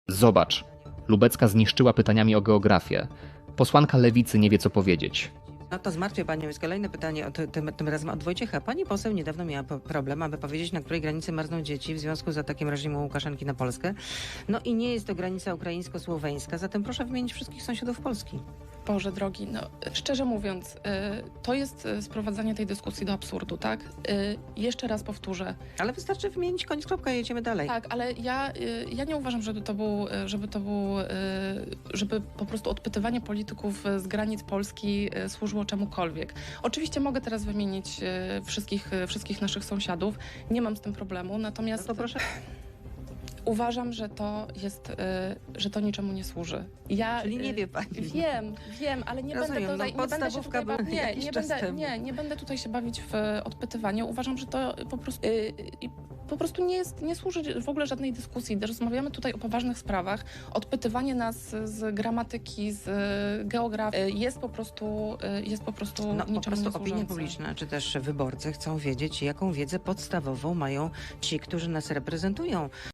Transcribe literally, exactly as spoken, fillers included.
Zobacz, Lubecka zniszczyła pytaniami o geografię. Posłanka Lewicy nie wie, co powiedzieć. No to zmartwię panią. Jest kolejne pytanie, od, tym, tym razem od Wojciecha. Pani poseł niedawno miała po- problem, aby powiedzieć, na której granicy marzną dzieci w związku z atakiem reżimu Łukaszenki na Polskę. No i nie jest to granica ukraińsko-słoweńska, zatem proszę wymienić wszystkich sąsiadów Polski. Boże drogi, no szczerze mówiąc, y, to jest y, sprowadzanie tej dyskusji do absurdu, tak? Y, jeszcze raz powtórzę. Ale wystarczy wymienić koniec, kropka i jedziemy dalej. Tak, ale ja, y, ja nie uważam, żeby to był, y, żeby to był, y, żeby po prostu odpytywanie polityków y, z granic Polski y, służyło czemukolwiek. Oczywiście mogę teraz wymienić y, wszystkich, y, wszystkich naszych sąsiadów, nie mam z tym problemu, No natomiast to proszę. uważam, że to jest, y, że to niczemu nie służy. Ja, Czyli nie y, wie pani. Wiem, wiem, ale nie Rozumiem, będę tutaj, no nie będę się podstawówka tutaj była bawić, nie, jakiś nie czas będę, temu. nie, nie będę tutaj się bawić w e, odpytywanie. Uważam, że to po prostu, y, y, po prostu nie, jest, nie służy w ogóle żadnej dyskusji. Rozmawiamy tutaj o poważnych sprawach. Odpytywanie nas z gramatyki, z e, geografii y, jest po prostu, y, jest po prostu No po niczemu prostu nie opinia służące. publiczna, czy też wyborcy chcą wiedzieć, jaką wiedzę podstawową mają ci, którzy nas reprezentują.